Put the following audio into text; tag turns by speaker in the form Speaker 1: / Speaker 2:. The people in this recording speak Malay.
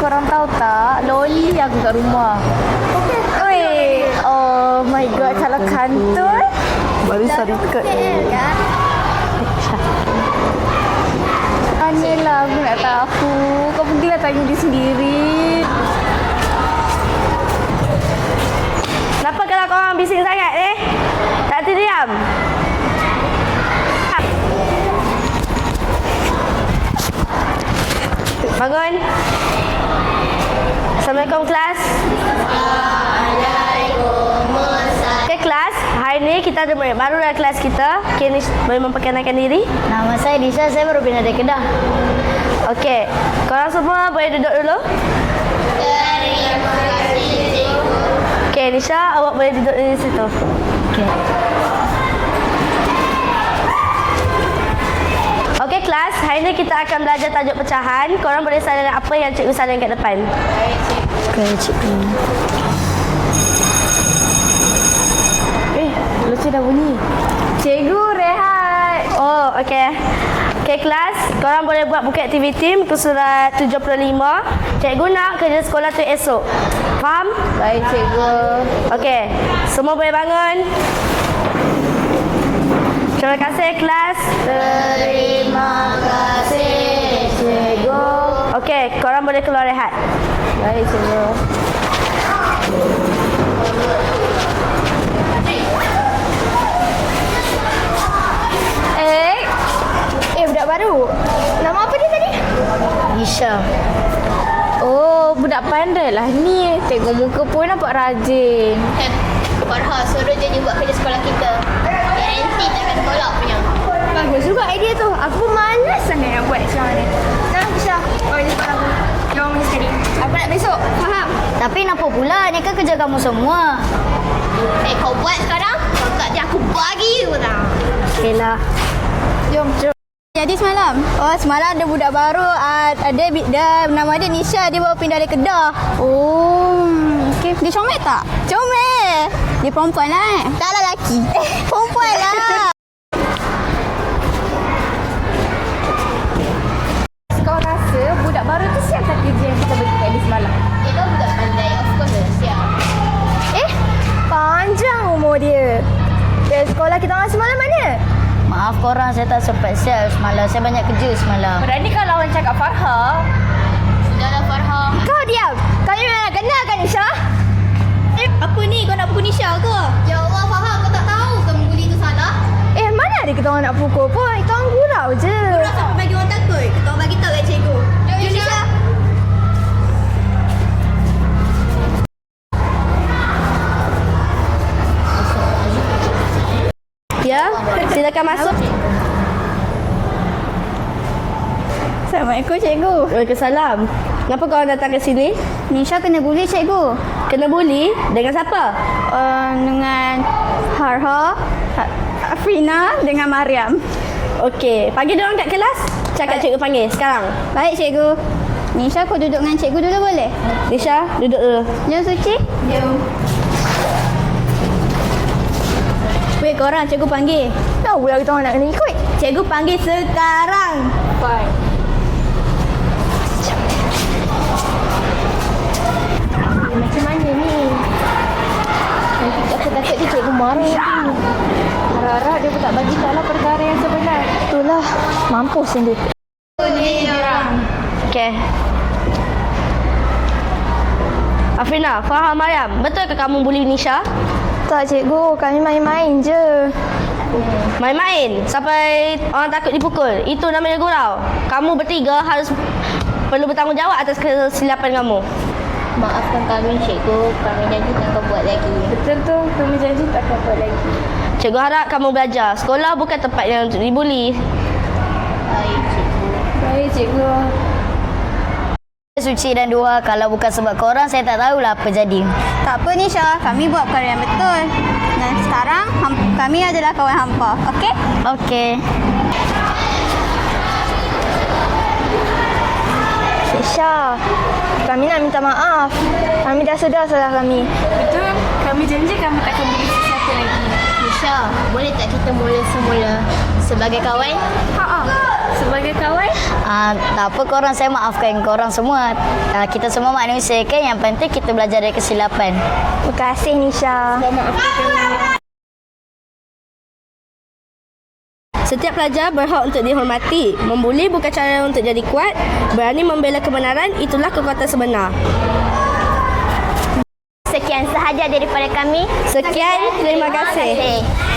Speaker 1: korang tahu tak? Loli aku kat rumah. Oi, oh my god, kalau kantor baru ikut. Tanyalah, aku nak tahu. Kau pergilah tanya dia sendiri.
Speaker 2: Kenapa kalau korang bising sangat tak diam? Bangun. Assalamualaikum kelas. Okay kelas, hari ni kita ada murid baru dalam kelas kita. Okay, ni boleh memperkenalkan diri?
Speaker 3: Nama saya Nisha, saya baru pindah dari Kedah.
Speaker 2: Okay, korang semua boleh duduk dulu?
Speaker 3: Terima kasih, cikgu.
Speaker 2: Okay, Nisha, awak boleh duduk di situ.
Speaker 3: Okay.
Speaker 2: Okey kelas, hari ni kita akan belajar tajuk pecahan. Korang boleh salin apa yang cikgu salin kat depan.
Speaker 3: Okay, cikgu.
Speaker 1: Loceng dah bunyi. Cikgu rehat.
Speaker 2: Oh, okey. Okey kelas, korang boleh buat buku aktiviti muka surat 75. Cikgu nak kerja sekolah tu esok. Faham?
Speaker 1: Baik cikgu.
Speaker 2: Okey, semua boleh bangun. Terima kasih kelas.
Speaker 3: Terima kasih, cikgu.
Speaker 2: Okey, korang boleh keluar rehat.
Speaker 1: Baik cikgu. Budak baru. Nama apa dia tadi?
Speaker 3: Nisha.
Speaker 1: Oh, budak pandai lah ni. Tengok muka pun nampak rajin.
Speaker 4: Farha, suruh je dia buat kerja sekolah kita. Garanti takkan tolak punya.
Speaker 1: Bagus juga idea tu. Aku malas sangat nak buat sekarang ni. Nah, Syah. Oh, ini sekolah aku. Jom mari sekali. Aku nak besok. Faham?
Speaker 3: Tapi kenapa pula? Ni kan kerja kamu semua.
Speaker 4: Kau buat sekarang? Kau tak dia aku bagi you tau.
Speaker 3: Okeylah.
Speaker 1: Jom.
Speaker 5: Jadi semalam, semalam ada budak baru, dia nama dia Nisha, dia baru pindah dari Kedah. Oh, okey. Dia comel tak? Comel. Dia perempuan lah Taklah lelaki. Perempuan lah.
Speaker 1: Kau rasa budak baru tu siap tak kerja yang kita bagi kat dia semalam?
Speaker 4: Dia kan budak pandai. Of course dia siap.
Speaker 1: Panjang umur dia. Dari sekolah kita orang semalam mana?
Speaker 3: Maaf korang, saya tak sempat siap semalam. Saya banyak kerja semalam.
Speaker 1: Berani kau lawan cakap Farha?
Speaker 4: Sudahlah Farha.
Speaker 1: Kau diam. Kau ni memang kenal kan Nisha?
Speaker 5: Apa ni? Kau nak pukul Nisha ke?
Speaker 4: Ya Allah Farha, kau tak tahu ke membuli tu salah?
Speaker 1: Mana ada kita orang nak pukul pun. Kita orang gurau je.
Speaker 5: Kau sampai bagi orang takut. Kita orang bagi tahu kat cikgu.
Speaker 4: Jom Nisha.
Speaker 2: Ya, silakan masuk.
Speaker 5: Assalamualaikum cikgu.
Speaker 2: Waalaikumsalam. Kenapa korang datang ke sini?
Speaker 5: Nisha kena bully cikgu.
Speaker 2: Kena bully? Dengan siapa?
Speaker 5: Dengan Farha, Afrina dengan Mariam.
Speaker 2: Okey, panggil dia orang kat kelas. Cakap cikgu panggil sekarang.
Speaker 5: Baik cikgu. Nisha kau duduk dengan cikgu dulu boleh?
Speaker 2: Nisha, duduk dulu.
Speaker 5: Jom Suci. Jom. Weh korang, cikgu panggil.
Speaker 1: Tahu lah kita orang nak kena ikut.
Speaker 5: Cikgu panggil sekarang.
Speaker 1: Fine. Macam mana ni? Nanti aku takut dia cikgu marah nanti. Harap-harap dia pun tak bagi tahu lah perkara yang sebenar. Itulah. Mampus yang dia.
Speaker 2: Okey. Afrina, Farha, Mariam, betul ke kamu bully Nisha?
Speaker 1: Tak cikgu, kami main-main je.
Speaker 2: Main-main sampai orang takut dipukul. Itu namanya gurau. Kamu bertiga harus perlu bertanggungjawab atas kesilapan kamu.
Speaker 4: Maafkan kami cikgu. Kami janji takkan buat lagi.
Speaker 1: Betul tu, kami janji tak akan buat lagi.
Speaker 2: Cikgu harap kamu belajar. Sekolah bukan tempat yang untuk dibuli.
Speaker 4: Baik cikgu.
Speaker 1: Baik cikgu.
Speaker 3: Suci dan Duha, kalau bukan sebab korang, saya tak tahulah apa jadi.
Speaker 5: Tak apa Nisha, kami buat perkara yang betul. Dan sekarang kami adalah kawan hampa. Okey?
Speaker 3: Okey.
Speaker 1: Nisha, kami nak minta maaf. Kami dah sedar salah kami. Betul. Kami janji kami takkan bully sesiapa lagi.
Speaker 4: Nisha, boleh tak kita mula semula sebagai kawan?
Speaker 1: Ha. sebagai kawan?
Speaker 3: Tak apa korang, saya maafkan korang semua. Kita semua manusia kan, yang penting kita belajar dari kesilapan.
Speaker 5: Terima kasih Nisha.
Speaker 2: Setiap pelajar berhak untuk dihormati. Membuli bukan cara untuk jadi kuat. Berani membela kebenaran, itulah kekuatan sebenar.
Speaker 1: Sekian sahaja daripada kami.
Speaker 2: Sekian, terima kasih.